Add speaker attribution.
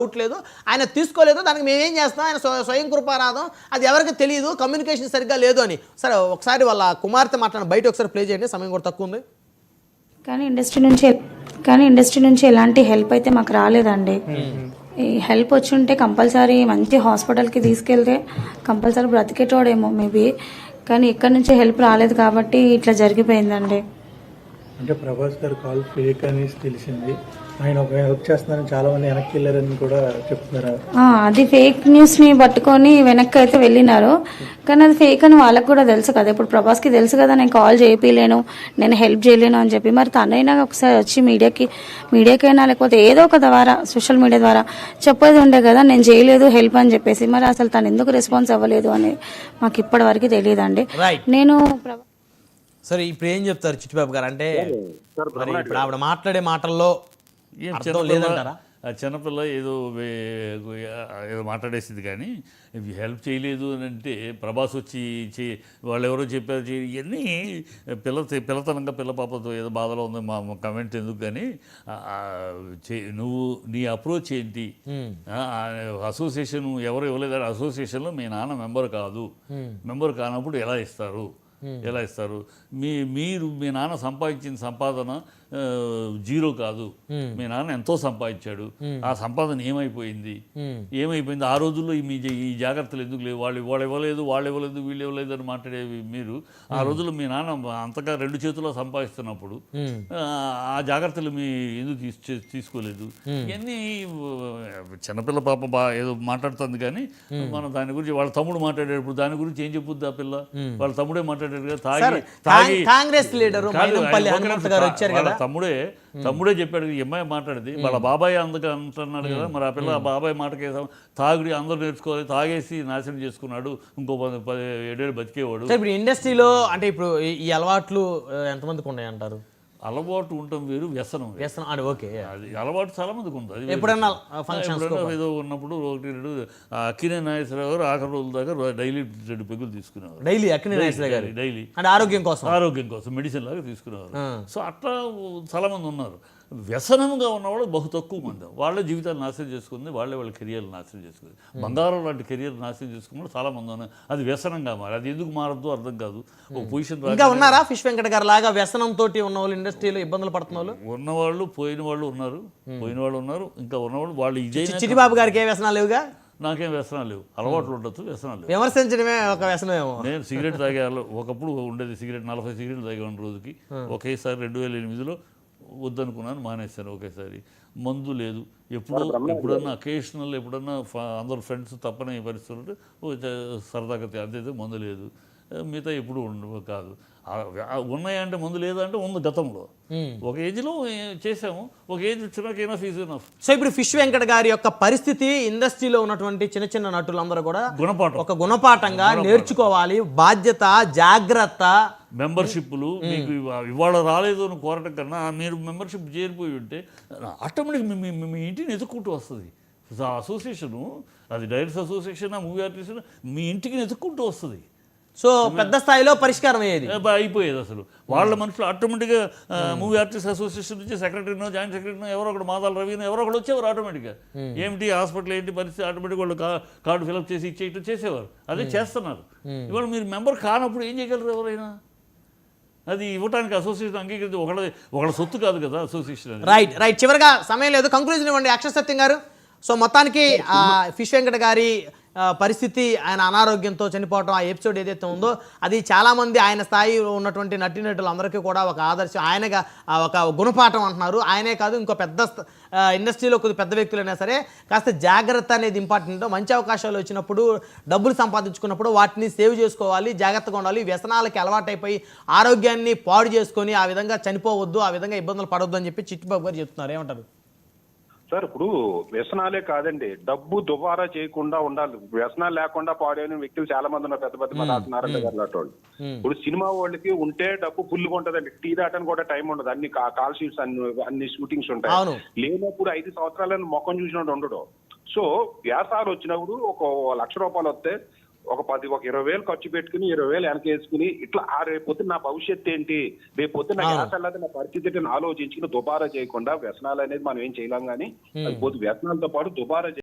Speaker 1: లేదు, ఆయన తీసుకోలేదు, దానికి మేమేం చేస్తాం, ఆయన స్వయం కృపారాధం, అది ఎవరికి తెలియదు, కమ్యూనికేషన్ సరిగ్గా లేదు అని. సరే ఒకసారి వాళ్ళ కుమార్తె మాట్లాడిన బయట ఒకసారి ప్లే చేయండి, సమయం కూడా తక్కువ ఉంది.
Speaker 2: కానీ ఇండస్ట్రీ నుంచి ఎలాంటి హెల్ప్ అయితే మాకు రాలేదండి. ఈ హెల్ప్ వచ్చి ఉంటే కంపల్సరీ మంచి హాస్పిటల్కి తీసుకెళ్తే కంపల్సరీ బ్రతికేటోడేమో మేబీ. కానీ ఇక్కడ నుంచి హెల్ప్ రాలేదు కాబట్టి ఇట్లా జరిగిపోయిందండి.
Speaker 3: అంటే ప్రభాస్ గారు కాల్ ఫేక్ అని తెలిసింది. ఆయన ఒక హెల్ప్ చేస్తున్నారని చాలా మంది వెనక్కి వెళ్ళారని కూడా చెప్తున్నారు.
Speaker 2: అది ఫేక్ న్యూస్ని పట్టుకొని వెనక్కి అయితే వెళ్ళినారు. కానీ అది ఫేక్ అని వాళ్ళకి కూడా తెలుసు కదా. ఇప్పుడు ప్రభాస్కి తెలుసు కదా నేను కాల్ చేయలేను, నేను హెల్ప్ చేయలేను అని చెప్పి. మరి తనైనా ఒకసారి వచ్చి మీడియాకైనా లేకపోతే ఏదో ఒక ద్వారా సోషల్ మీడియా ద్వారా చెప్పేది ఉండే కదా, నేను చేయలేదు హెల్ప్ అని చెప్పేసి. మరి అసలు తను ఎందుకు రెస్పాన్స్ అవ్వలేదు అని మాకు ఇప్పటి వరకు తెలియదండి. నేను
Speaker 1: సరే ఇప్పుడు ఏం చెప్తారు చిట్టిబాబు గారు? అంటే ఇప్పుడు ఆవిడ మాట్లాడే మాటల్లో లేదంటారా?
Speaker 4: చిన్నపిల్ల ఏదో మాట్లాడేసింది, కానీ హెల్ప్ చేయలేదు అని అంటే ప్రభాస్ వచ్చి వాళ్ళు ఎవరో చెప్పారు ఇవన్నీ పిల్లతనంగా పిల్ల పాపతో ఏదో బాధలో ఉంది మా కమెంట్ ఎందుకు, కానీ నువ్వు నీ అప్రోచ్ ఏంటి? అసోసియేషన్ ఎవరు ఇవ్వలేదు, అసోసియేషన్లో మీ నాన్న మెంబర్ కాదు, మెంబర్ కానప్పుడు ఎలా ఇస్తారు? మీరు మీ నాన్న సంపాదించిన సంపాదన జీరో కాదు, మీ నాన్న ఎంతో సంపాదించాడు, ఆ సంపాదన ఏమైపోయింది? ఆ రోజుల్లో ఈ జాగ్రత్తలు ఎందుకు లేవు? వాళ్ళు ఇవ్వలేదు వీళ్ళు ఇవ్వలేదు అని మాట్లాడేవి మీరు. ఆ రోజుల్లో మీ నాన్న అంతగా రెండు చేతుల్లో సంపాదిస్తున్నప్పుడు ఆ జాగ్రత్తలు మీ ఎందుకు తీసుకోలేదు? ఇవన్నీ చిన్నపిల్ల పాప ఏదో మాట్లాడుతుంది, కానీ మనం దాని గురించి వాళ్ళ తమ్ముడు మాట్లాడేటప్పుడు దాని గురించి ఏం చెప్పుద్ది ఆ పిల్ల? వాళ్ళ తమ్ముడే మాట్లాడాడు కదా, తాగి
Speaker 1: కాంగ్రెస్ లీడర్
Speaker 4: తమ్ముడే చెప్పాడు. ఈ అమ్మాయి మాట్లాడింది వాళ్ళ బాబాయ్ అందుకు అంటున్నాడు కదా, మరి ఆ పిల్ల ఆ బాబాయ్ మాటకి తాగుడి అందరూ నేర్చుకోవాలి, తాగేసి నాశనం చేసుకున్నాడు, ఇంకో 7 ఏళ్ళు బతికేవాడు.
Speaker 1: ఇప్పుడు ఇండస్ట్రీలో అంటే ఇప్పుడు ఈ అలవాట్లు ఎంతమందికి ఉన్నాయంటారు?
Speaker 4: అలవాటు ఉండటం వేరు, వ్యసనం
Speaker 1: అని. ఓకే,
Speaker 4: అది అలవాటు చాలా మందికి ఉంది. అది
Speaker 1: ఎప్పుడన్నా
Speaker 4: ఏదో ఉన్నప్పుడు 1-2 అక్కినే నాగేశ్వరరావు గారు ఆఖరి రోజుల దాకా డైలీ 2 పెగ్గులు తీసుకునేవారు.
Speaker 1: డైలీ అక్కినే నాగేశ్వరరావు గారు డైలీ అంటే ఆరోగ్యం కోసం మెడిసిన్ లాగా తీసుకునేవారు. సో అట్లా చాలా మంది ఉన్నారు. వ్యసనంగా ఉన్నవాళ్ళు బహు తక్కువ మంది. వాళ్ళ జీవితాలు నాశనం చేసుకుంది, వాళ్ళ కెరియర్లు నాశనం చేసుకుంది. బంగారం లాంటి కెరియర్ నాశనం చేసుకున్న చాలా మంది ఉన్నారు. అది వ్యసనంగా మారి అది ఎందుకు మారద్దు అర్థం కాదు. ఒక పొజిషన్ ఇంకా ఉన్నారా ఫిష్ వెంకట గారు లాగా వ్యసనం తోటి ఉన్న వాళ్ళు ఇండస్ట్రీలో ఇబ్బందులు పడుతున్న వాళ్ళు?
Speaker 4: ఉన్నవాళ్ళు పోయిన వాళ్ళు ఉన్నారు, ఇంకా ఉన్నవాళ్ళు వాళ్ళు. ఇదే
Speaker 1: చిట్టిబాబు గారికి ఏ వ్యసనాలు లేవుగా?
Speaker 4: నాకేం వ్యసనాలు లేవు, అలవాట్లు ఉండొచ్చు, వ్యసనాలు లేవు.
Speaker 1: విమర్శించడమే ఒక వ్యసనమేమో.
Speaker 4: నేను సిగరెట్ తాగేవాళ్ళు, ఒకప్పుడు ఉండేది సిగరెట్ 40 సిగరెట్లు తాగేవాడిని రోజుకి. ఒకేసారి 2008లో వద్దనుకున్నాను, మానేశాను ఒకేసారి. మందు లేదు, ఎప్పుడన్నా అకేషనల్ ఎప్పుడన్నా అందరు ఫ్రెండ్స్ తప్పని పరిస్థితులు సరదాగా అదే మందు లేదు. మిగతా ఎప్పుడు కాదు. ఉన్నాయంటే మందు లేదంటే ఉంది. గతంలో ఒక ఏజ్లో చేసాము, ఒక ఏజ్ వచ్చినాకైనా ఫీజు.
Speaker 1: సో ఇప్పుడు ఫిష్ వెంకట గారి యొక్క పరిస్థితి ఇండస్ట్రీలో ఉన్నటువంటి చిన్న చిన్న నటులందరూ కూడా ఒక గుణపాఠంగా నేర్చుకోవాలి. బాధ్యత, జాగ్రత్త.
Speaker 4: మెంబర్షిప్లు మీకు ఇవాళ రాలేదు అని కోరటం కన్నా మీరు మెంబర్షిప్ చేరిపోయి ఉంటే ఆటోమేటిక్ మీ ఇంటిని ఎత్తుక్కుంటూ వస్తుంది. అసోసియేషను, అది డైరెక్టర్స్ అసోసియేషన్, మూవీ ఆర్టిస్ట్, మీ ఇంటికి ఎత్తుక్కుంటూ వస్తుంది.
Speaker 1: సో పెద్ద స్థాయిలో పరిష్కారం
Speaker 4: అయిపోయేది. అసలు వాళ్ళ మనుషులు ఆటోమేటిక్గా మూవీ ఆర్టిస్ట్ అసోసియేషన్ నుంచి సెక్రటరీనో జాయింట్ సెక్రటరీనో ఎవరో ఒకటి, మాదాల రవినో ఎవరో ఒకటి వచ్చేవారు ఆటోమేటిక్గా. ఏమిటి హాస్పిటల్ ఏంటి పరిస్థితి, ఆటోమేటిక్ వాళ్ళు కార్డు ఫిలప్ చేసి ఇచ్చేయటం చేసేవారు. అదే చేస్తున్నారు. ఇవాళ మీరు మెంబర్ కానప్పుడు ఏం చేయగలరు ఎవరైనా? అది ఇవ్వడానికి అసోసియేషన్ అంగీకరించి ఒకళ్ళ సొత్తు కాదు కదా అసోసియేషన్.
Speaker 1: రైట్. చివరిగా సమయం లేదు, కంక్లూజన్ ఇవ్వండి అక్షర సత్యం గారు. సో మొత్తానికి ఫిష్ వెంకట గారి పరిస్థితి, ఆయన అనారోగ్యంతో చనిపోవటం, ఆ ఎపిసోడ్ ఏదైతే ఉందో అది చాలామంది ఆయన స్థాయిలో ఉన్నటువంటి నటీనటులందరికీ కూడా ఒక ఆదర్శం, ఆయనగా ఒక గుణపాఠం అంటున్నారు. ఆయనే కాదు, ఇంకో పెద్ద ఇండస్ట్రీలో కొద్ది పెద్ద వ్యక్తులైనా సరే కాస్త జాగ్రత్త అనేది ఇంపార్టెంట్. మంచి అవకాశాలు వచ్చినప్పుడు, డబ్బులు సంపాదించుకున్నప్పుడు వాటిని సేవ్ చేసుకోవాలి, జాగ్రత్తగా ఉండాలి. వ్యసనాలకి అలవాటైపోయి ఆరోగ్యాన్ని పాడు చేసుకొని ఆ విధంగా చనిపోవద్దు, ఆ విధంగా ఇబ్బందులు పడవద్దు అని చెప్పి చిట్టిబాబు గారు చెప్తున్నారు. ఏమంటారు
Speaker 5: సార్? ఇప్పుడు వ్యసనాలే కాదండి, డబ్బు దుబారా చేయకుండా ఉండాలి. వ్యసనాలు లేకుండా పాడైన వ్యక్తులు చాలా మంది ఉన్నారు, పెద్ద పెద్ద నారాయణ గారు లాంటి వాళ్ళు. ఇప్పుడు సినిమా వాళ్ళకి ఉంటే డబ్బు ఫుల్గా ఉంటదండి, టీ దాటానికి కూడా టైం ఉండదు, అన్ని కాల్ షీట్స్ అన్ని షూటింగ్స్ ఉంటాయి. లేనప్పుడు 5 సంవత్సరాలను మొక్కం చూసినట్టు ఉండడు. సో వ్యాసాలు వచ్చినప్పుడు ఒక 1,00,000 రూపాయలు వస్తే ఒక 20,000 ఖర్చు పెట్టుకుని 20,000 వెనకేసుకుని ఇట్లా రేపొద్దు నా భవిష్యత్తు ఏంటి, రేపొద్దు నా గ్యాస్ అల్లది నా పరిస్థితి ఏంటి అని ఆలోచించుకుని దుబారా చేయకుండా వ్యసనాలు అనేది మనం ఏం చేయలేం కానీ అది వ్యసనాలతో పాటు దుబారా